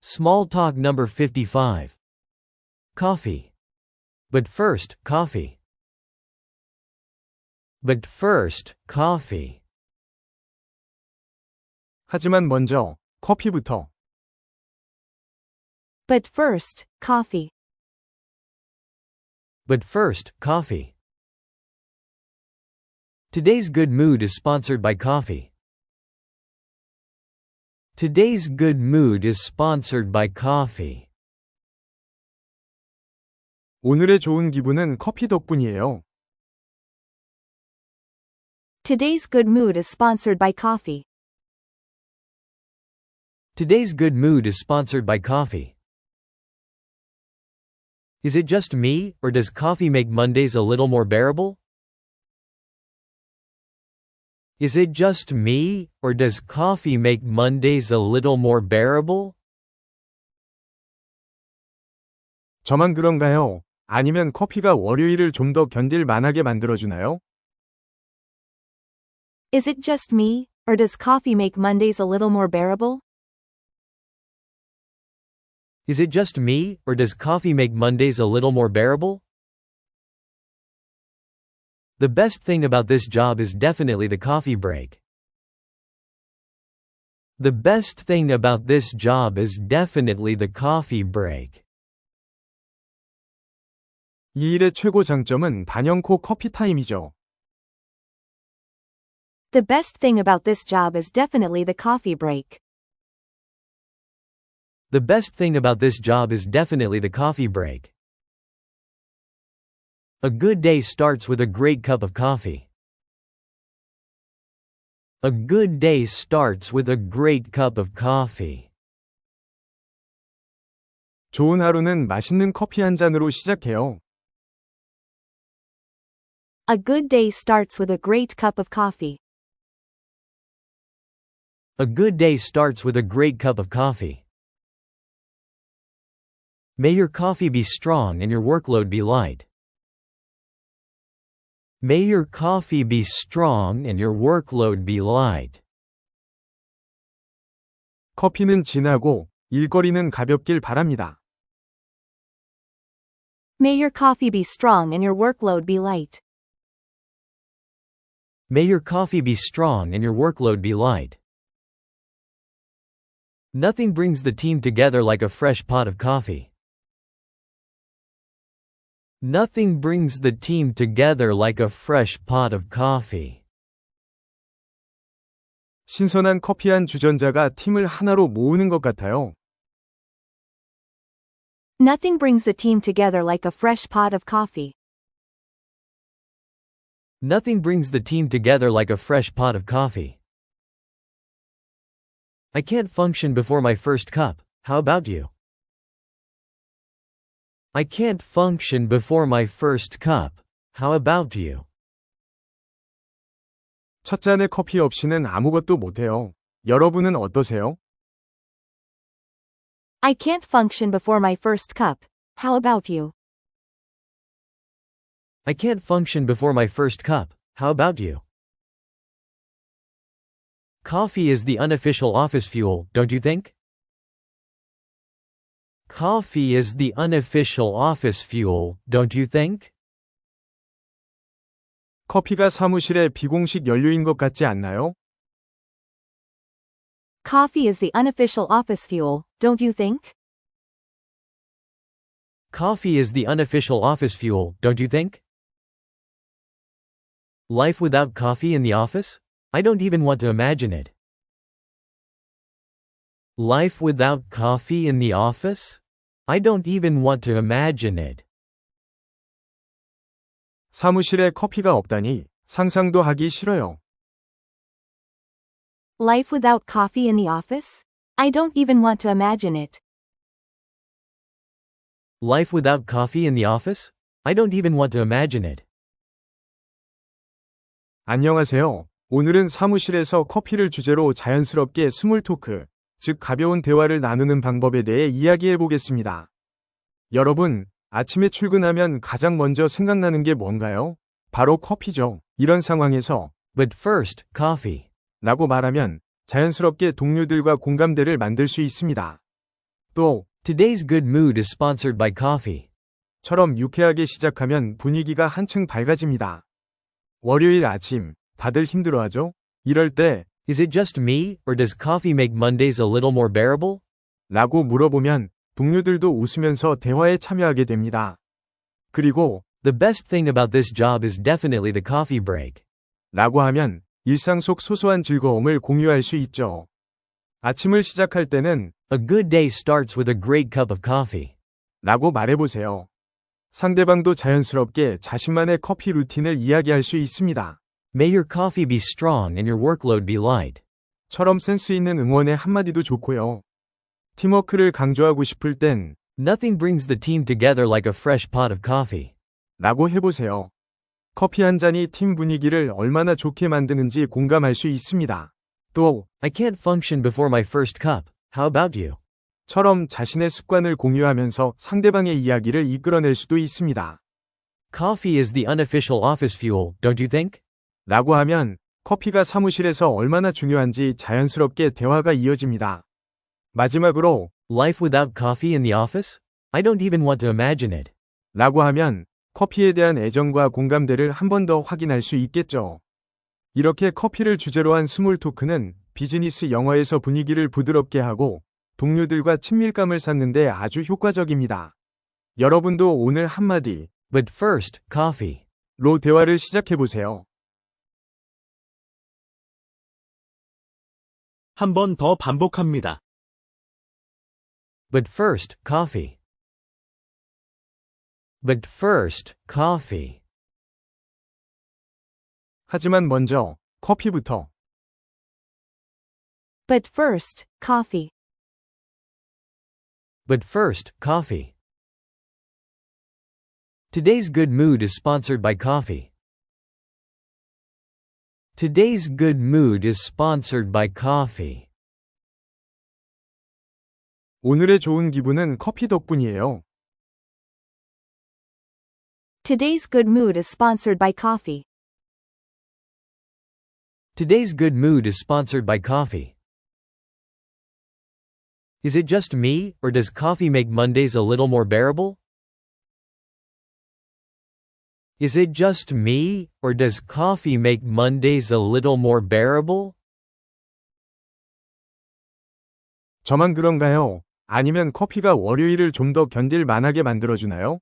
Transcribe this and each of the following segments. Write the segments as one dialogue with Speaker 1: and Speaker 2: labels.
Speaker 1: Small talk number 55. Coffee. But first, coffee. But first, coffee.
Speaker 2: 하지만 먼저 커피부터.
Speaker 3: But first, coffee.
Speaker 1: But first, coffee. Today's Good Mood is sponsored by coffee. Today's Good Mood is sponsored by coffee.
Speaker 2: 오늘의 좋은 기분은 커피 덕분이에요.
Speaker 3: Today's good mood is sponsored by coffee.
Speaker 1: Today's Good Mood is sponsored by coffee. Is it just me, or does coffee make Mondays a little more bearable? Is it just me, or does coffee make Mondays a little more bearable?
Speaker 2: 저만 그런가요? 아니면 커피가 월요일을 좀 더 견딜 만하게 만들어주나요?
Speaker 3: Is it just me, or does coffee make Mondays a little more bearable?
Speaker 1: Is it just me, or does coffee make Mondays a little more bearable? The best thing about this job is definitely the coffee break. The best thing about this job is definitely the coffee break.
Speaker 2: 이 일의 최고 장점은 단연코 커피 타임이죠.
Speaker 3: The best thing about this job is definitely the coffee break.
Speaker 1: The best thing about this job is definitely the coffee break. A good day starts with a great cup of coffee. A good day starts with a great cup of coffee.
Speaker 2: 좋은 하루는 맛있는 커피 한 잔으로 시작해요.
Speaker 3: A good day starts with a great cup of coffee.
Speaker 1: A good day starts with a great cup of coffee. May your coffee be strong and your workload be light. May your coffee be strong and your workload be light.
Speaker 2: 커피는 진하고 일거리는 가볍길 바랍니다.
Speaker 3: May your coffee be strong and your workload be light.
Speaker 1: May your coffee be strong and your workload be light. Nothing brings the team together like a fresh pot of coffee. Nothing brings the team together like a fresh pot of coffee.
Speaker 2: 신선한 커피 한 주전자가 팀을 하나로 모으는 것 같아요.
Speaker 3: Nothing brings the team together like a fresh pot of coffee.
Speaker 1: Nothing brings the team together like a fresh pot of coffee. I can't function before my first cup, how about you? I can't function before my first cup, how about you?
Speaker 2: 첫 잔의 커피 없이는 아무것도 못해요. 여러분은 어떠세요?
Speaker 3: I can't function before my first cup. How about you?
Speaker 1: I can't function before my first cup, how about you? Coffee is the unofficial office fuel, don't you think? Coffee is the unofficial office fuel, don't you think?
Speaker 2: 커피가 사무실의 비공식 연료인 것 같지 않나요?
Speaker 3: Coffee is the unofficial office fuel, don't you think?
Speaker 1: Coffee is the unofficial office fuel, don't you think? Life without coffee in the office? I don't even want to imagine it. Life without coffee in the office? I don't even want to imagine it.
Speaker 2: 사무실에 커피가 없다니 상상도 하기 싫어요.
Speaker 3: Life without coffee in the office? I don't even want to imagine it.
Speaker 1: Life without coffee in the office? I don't even want to imagine it.
Speaker 2: 안녕하세요. 오늘은 사무실에서 커피를 주제로 자연스럽게 스몰 토크, 즉 가벼운 대화를 나누는 방법에 대해 이야기해 보겠습니다. 여러분, 아침에 출근하면 가장 먼저 생각나는 게 뭔가요? 바로 커피죠. 이런 상황에서
Speaker 1: But first, coffee.
Speaker 2: 라고 말하면 자연스럽게 동료들과 공감대를 만들 수 있습니다. 또
Speaker 1: Today's good mood is sponsored by coffee.
Speaker 2: 처럼 유쾌하게 시작하면 분위기가 한층 밝아집니다. 월요일 아침, 다들 힘들어하죠? 이럴 때
Speaker 1: Is it just me, or does coffee make Mondays a little more bearable?
Speaker 2: 라고 물어보면 동료들도 웃으면서 대화에 참여하게 됩니다. 그리고
Speaker 1: The best thing about this job is definitely the coffee break.
Speaker 2: 라고 하면 일상 속 소소한 즐거움을 공유할 수 있죠. 아침을 시작할 때는
Speaker 1: A good day starts with a great cup of coffee.
Speaker 2: 라고 말해보세요. 상대방도 자연스럽게 자신만의 커피 루틴을 이야기할 수 있습니다.
Speaker 1: May your coffee be strong and your workload be light.
Speaker 2: 처럼 센스 있는 응원의 한마디도 좋고요. 팀워크를 강조하고 싶을 땐
Speaker 1: Nothing brings the team together like a fresh pot of coffee.
Speaker 2: 라고 해보세요. 커피 한 잔이 팀 분위기를 얼마나 좋게 만드는지 공감할 수 있습니다. 또
Speaker 1: I can't function before my first cup. How about you?
Speaker 2: 처럼 자신의 습관을 공유하면서 상대방의 이야기를 이끌어낼 수도 있습니다.
Speaker 1: Coffee is the unofficial office fuel, don't you think?
Speaker 2: 라고 하면 커피가 사무실에서 얼마나 중요한지 자연스럽게 대화가 이어집니다. 마지막으로
Speaker 1: Life without coffee in the office? I don't even want to imagine it.
Speaker 2: 라고 하면 커피에 대한 애정과 공감대를 한 번 더 확인할 수 있겠죠. 이렇게 커피를 주제로 한 스몰 토크는 비즈니스 영어에서 분위기를 부드럽게 하고 동료들과 친밀감을 쌓는 데 아주 효과적입니다. 여러분도 오늘 한마디
Speaker 1: But first, coffee.
Speaker 2: 로 대화를 시작해 보세요.
Speaker 4: 한 번 더 반복합니다.
Speaker 1: But first, coffee. But first, coffee.
Speaker 2: 하지만 먼저 커피부터.
Speaker 3: But first, coffee.
Speaker 1: But first, coffee. Today's good mood is sponsored by coffee. Today's good mood is sponsored by coffee.
Speaker 2: 오늘의 좋은 기분은 커피 덕분이에요.
Speaker 3: Today's good mood is sponsored by coffee.
Speaker 1: Today's good mood is sponsored by coffee. Is it just me, or does coffee make Mondays a little more bearable? Is it just me, or does coffee make Mondays a little more bearable?
Speaker 2: 저만 그런가요? 아니면 커피가 월요일을 좀 더 견딜 만하게 만들어주나요?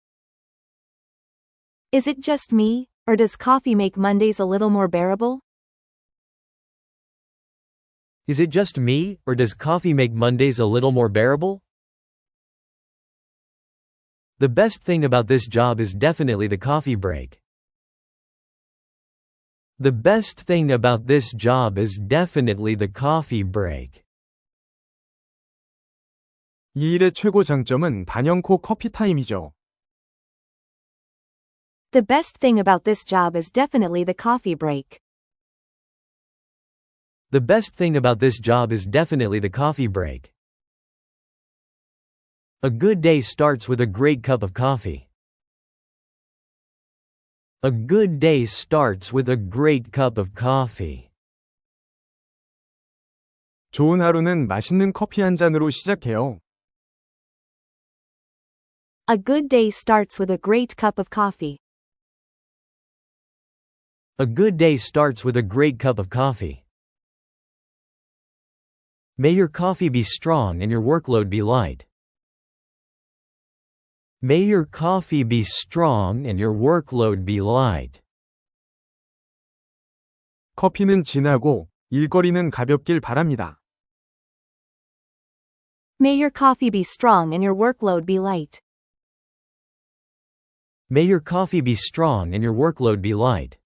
Speaker 3: Is it just me, or does coffee make Mondays a little more bearable?
Speaker 1: Is it just me, or does coffee make Mondays a little more bearable? The best thing about this job is definitely the coffee break. The best thing about this job is definitely the coffee break.
Speaker 2: 이 일의 최고 장점은 단연코 커피 타임이죠.
Speaker 3: The best thing about this job is definitely the coffee break.
Speaker 1: The best thing about this job is definitely the coffee break. A good day starts with a great cup of coffee. A good day starts with a great cup of coffee.
Speaker 2: 좋은 하루는 맛있는 커피 한 잔으로 시작해요.
Speaker 3: A good day starts with a great cup of coffee.
Speaker 1: A good day starts with a great cup of coffee. May your coffee be strong and your workload be light. May your coffee be strong and your workload be light.
Speaker 2: 커피는 진하고 일거리는 가볍길 바랍니다.
Speaker 3: May your coffee be strong and your workload be light.
Speaker 1: May your coffee be strong and your workload be light.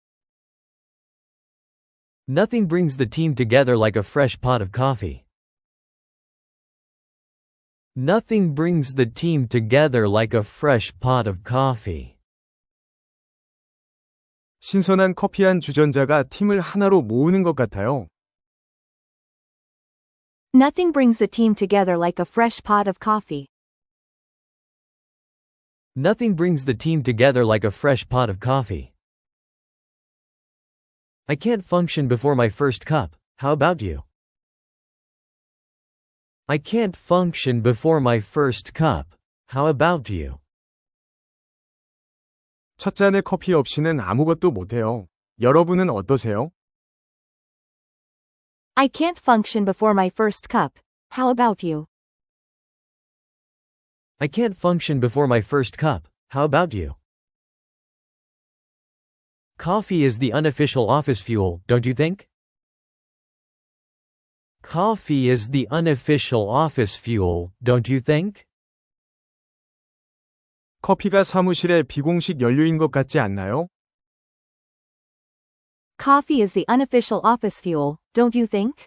Speaker 1: Nothing brings the team together like a fresh pot of coffee. Nothing brings the team together like a fresh pot of coffee.
Speaker 2: 신선한 커피 한 주전자가 팀을 하나로 모으는 것 같아요.
Speaker 3: Nothing brings the team together like a fresh pot of coffee.
Speaker 1: Nothing brings the team together like a fresh pot of coffee. I can't function before my first cup. How about you? I can't function before my first cup. How about you?
Speaker 2: 첫 잔의 커피 없이는 아무것도 못해요. 여러분은 어떠세요?
Speaker 3: I can't function before my first cup. How about you?
Speaker 1: I can't function before my first cup. How about you? Coffee is the unofficial office fuel, don't you think? Coffee is the unofficial office fuel, don't you think?
Speaker 2: 커피가 사무실의 비공식 연료인 것 같지 않나요?
Speaker 3: Coffee is the unofficial office fuel, don't you think?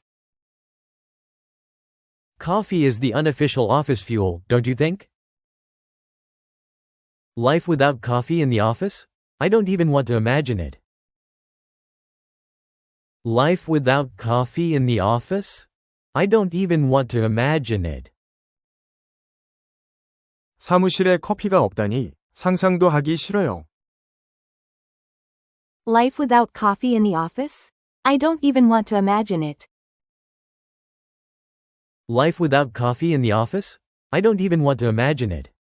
Speaker 1: Coffee is the unofficial office fuel, don't you think? Life without coffee in the office? I don't even want to imagine it. Life without coffee in the office? I don't even want to imagine it.
Speaker 2: 사무실에 커피가 없다니 상상도 하기 싫어요.
Speaker 3: Life without coffee in the office? I don't even want to imagine it.
Speaker 1: Life without coffee in the office? I don't even want to imagine it.